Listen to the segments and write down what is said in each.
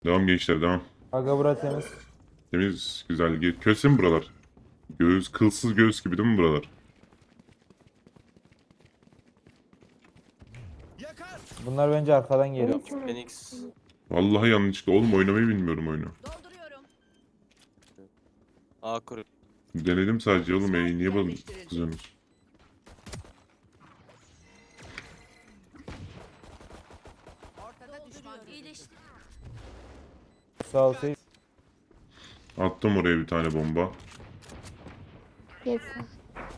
Devam gençler devam. Aga bura temiz. Temiz güzel. Köse mi buralar? Göğüs, kılsız göğüs gibi değil mi buralar? Bunlar bence arkadan geliyor. Phoenix. Vallahi yanlışlıkla. Oğlum oynamayı bilmiyorum oyunu. Dolduruyorum. A kuru. Denedim sadece oğlum. Niye bana kızıyorsunuz? Ortada düşman iyileşti. Sağ ol Seyit. Attım oraya bir tane bomba. Yeter.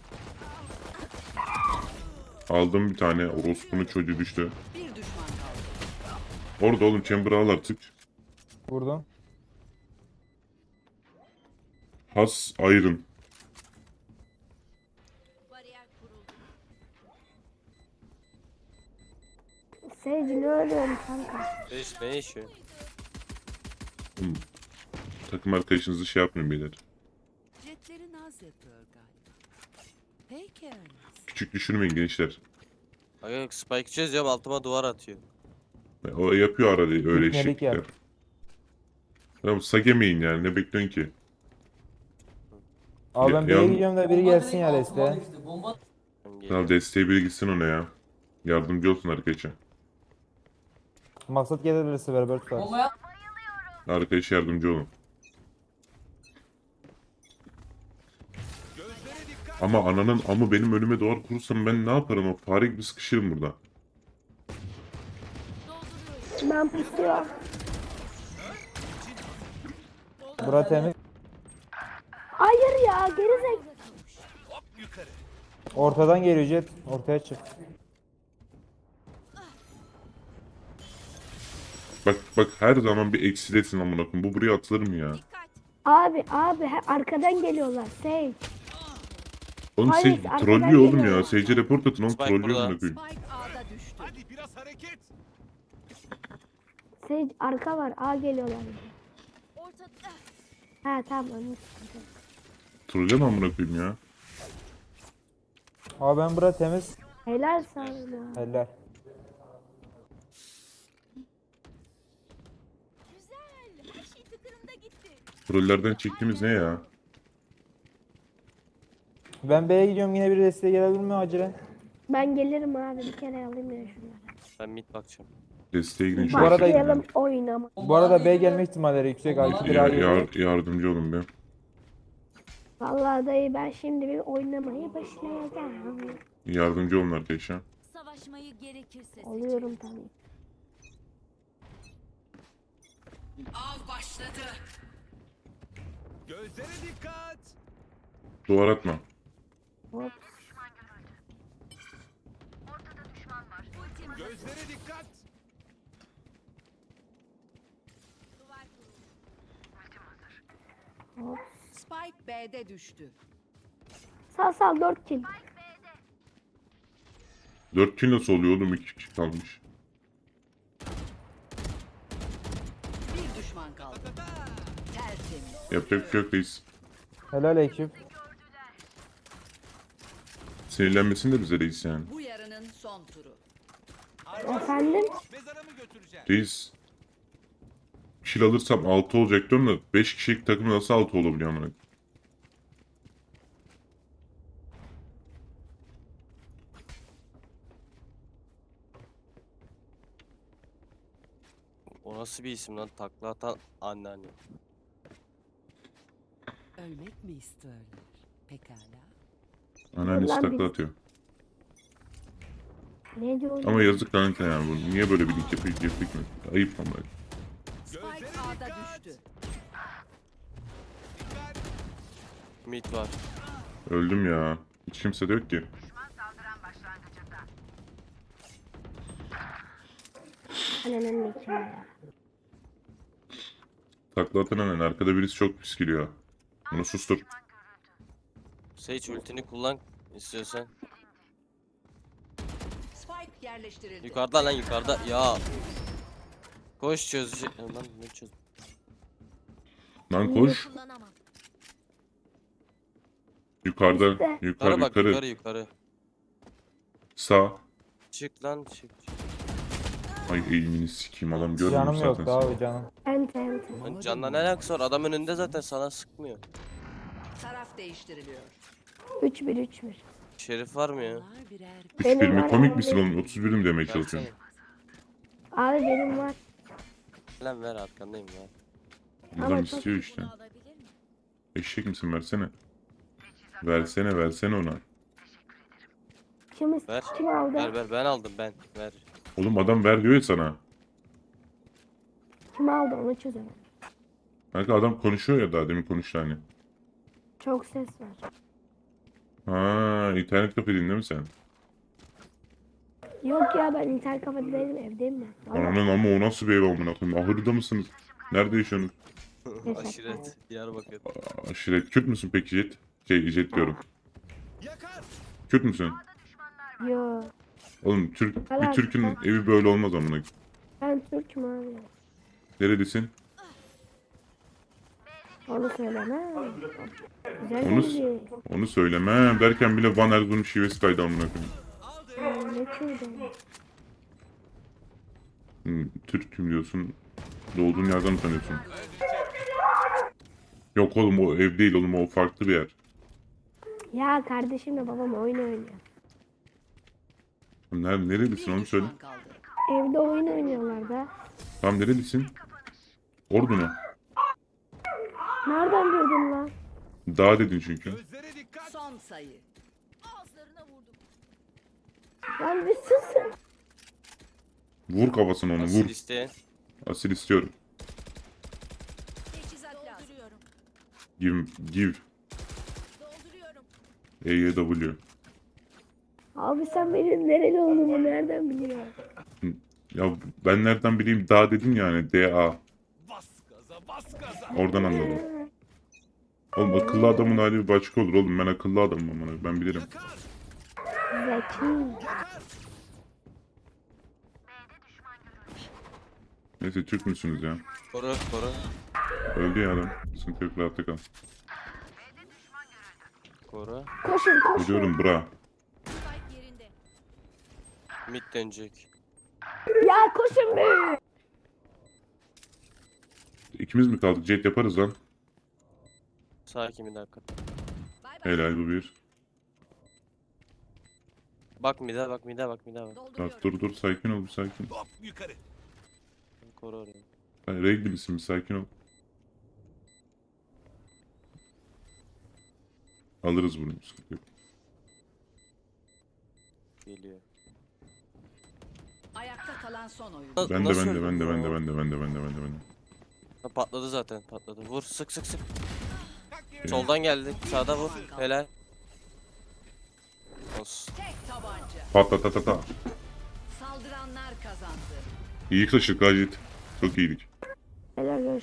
Aldım bir tane. Orospu'nun çocuğu düştü. Bir düşman kaldı. Orada oğlum chamber'ı al artık. Vurdum. Has Iron. Bariyer kuruldu. Sage ne ölüyorsun kanka? Beş ne yaşıyor? Oğlum, takım arkadaşınızı şey yapmayın beyler. Jetleri naz yapıyor galiba. Peki öyle. Küçük düşürmeyin gençler. Aga spike çözüyorum altıma duvar atıyor. O yapıyor arada öyle İpnelik eşeklikler. yap. Tamam sagemeyin yani ne bekliyorsun ki? Abi ben Ya- B'ye ya- gidiyorum da biri gelsin ya desteğe. Ben Tamam geliyorum. desteğe biri gitsin ona ya. Yardımcı olsun arkadaşa. Maksat gelirse beraber tutar. Arkadaşa yardımcı olun. Ama ananın amı benim önüme duvar kurursam ben ne yaparım? O fare gibi sıkışırım burada. Ben pusuyorum. Bura temiz. Hayır ya gerizek. Ortadan geliyor Jet. Ortaya çık. Bak her zaman bir eksidesin amına koyayım. Bu buraya atılır mı ya? Dikkat. Abi arkadan geliyorlar. Sage. Oğlum Hayır, Sage arkadan trollüyor oğlum geliyor. ya. Sage'e report atın oğlum Spike trollüyor burada. amına koyayım. Spike A'da düştü. Hadi biraz hareket. Sage arka var. A geliyorlar. Ortada. Ha tamam onu sıkıntı. Trollüyor mu amına koyayım ya? Abi ben bura temiz. Helal sana. Helal. Güzel. Her şey tıkırında gitti. Trollerden çektiğimiz ne ya? Ben B'ye gidiyorum, yine biri desteğe gelebilir mi acilen? Ben gelirim abi bir kere alayım ya şunları. Ben mid bakacağım. Desteğe gidin şu Bu arada- Başlayalım oynama. Bu arada B gelme ihtimalleri yüksek. A2 bir A geliyor. Yardımcı olun be. Vallahi dayı ben şimdi bir oynamaya başlayacağım. Yardımcı olun arkadaşlar. Savaşmayı gerekirse. Oluyorum tabii. Av başladı. Gözlere dikkat. Duvar atma. Hop. Gözlere dikkat. Duvar kuruldu. Hop. Spike B'de düştü. Sal 4 kill. 4 kill nasıl oluyor oğlum? 2 kişi kalmış. Bir düşman kaldı. Tertemiz. Yapacak bir şey yok reis. Helal ekip. Sinirlenmesin de bize reis yani. Bu yarının son turu. Efendim? Mezara mı götüreceğim? Reis. Kill alırsam 6 olacak diyorum da 5 kişilik takım nasıl 6 olabiliyor amına? O nasıl bir isim lan? Takla atan anneanne. Ölmek mi istiyorlar? Pekala. Anneannesi Lan takla biz- atıyor. Ne diyorsun? Ama yazık lan yani bu. Niye böyle bir link yapıyor ki? Ayıp ama. Spike A'da düştü. Mid var. Öldüm ya. Hiç kimse de yok ki. Ananın nikahı ya. Takla atan annen. Arkada birisi çok pis geliyor. Bunu sustur. Sage ultini kullan istiyorsan. Spike yerleştirildi. Yukarıda lan yukarıda. Ya. Koş çözecek. Lan ne çöz? Lan koş. Kullanamam. Yukarıda. İşte. Yukarı Bak yukarı. yukarı yukarı. Sağ. Çık lan çık. Ay eğimini sikeyim adam görmüyor Canım zaten. yok abi canım. Ente ente. Lan canla ne alakası var? Adam önünde zaten sana sıkmıyor. Taraf değiştiriliyor. 3-1 3-1. Şerif var mı ya? Onlar birer 3-1 Benim mi? var Komik abi. misin oğlum? 31 mi demeye Versene. çalışıyorsun? Abi benim var. Lan ver arkandayım ya. Adam Ama çok- istiyor işte. Eşek misin? Versene. Versene ona. Ver. Kim aldı? Ver ben aldım ben. Ver. Oğlum adam ver diyor ya sana. Kim aldı onu çözemedim. Kanka adam konuşuyor ya daha demin konuştu hani. Çok ses var. Ha, internet kafedin değil mi sen? Yok ya ben internet kafede değilim evdeyim ben. Vallahi. Ananın ama o nasıl bir ev amına koyayım? Ahırda mısınız? Nerede yaşıyorsunuz? Aşiret. Diyarbakır. Aşiret. Kürt müsün peki Jet? Jet diyorum. Yakar. Kürt müsün? Yo. Oğlum bir Helal. Türk'ün evi böyle olmaz amına koyayım. Ben Türk'üm abi. Nerelisin? Onu söyleme. Güzel Onu- bilgi. Onu söylemem derken bile Van Erzurum şivesi kaydı amına koyayım. Ne Kürt'ü? Türk'üm diyorsun. Doğduğun yerden tanıyorsun. Yok oğlum o ev değil oğlum o farklı bir yer. Ya kardeşimle babam oyun oynuyor. Nerelisin bir onu söyle. düşman kaldı. Evde oyun oynuyorlar da. Tam nerelisin? Ordu mu? Nereden bildin lan? Dağ dedin çünkü. Gözlere dikkat. Son sayı. Lan bir susun. Vur kafasına onu Asil vur. isteyen. Asil istiyorum. Give. EYW. Abi sen benim nereli olduğumu nereden biliyorsun? Ya ben nereden bileyim dağ dedin yani DA. Bas gaza bas gaza. Oradan anladım. Oğlum akıllı adamın hali bir başka olur oğlum ben akıllı adamım amına ben bilirim. Yakar. Zeki. Yakar. Neyse Türk müsünüz ya? Koru. Öldü ya adam. Sıkıntı yok rahatta kal. Koru. Koşun koşun. Biliyorum bra. Mid dönecek. Ya koşun be. İkimiz mi kaldık? Jet yaparız lan. Sakin bir dakika. Helal bu bir. Bak mid'e bak. Bak dur sakin ol bir sakin. Hop yukarı. Koru orayı. Hayır regli misin bir sakin ol. Alırız bunu. Sıkıntı yok. Geliyor. Ayakta kalan son oyun. Ben Nasıl de. öldü? Ha, patladı zaten patladı. Vur sık. Soldan geldi. Sağda vur. Helal. Olsun. Tek tabanca. Patlatata. Saldıranlar kazandı. İyi taşıdık ha Jet. Çok iyiydik. Helal görüşürüz.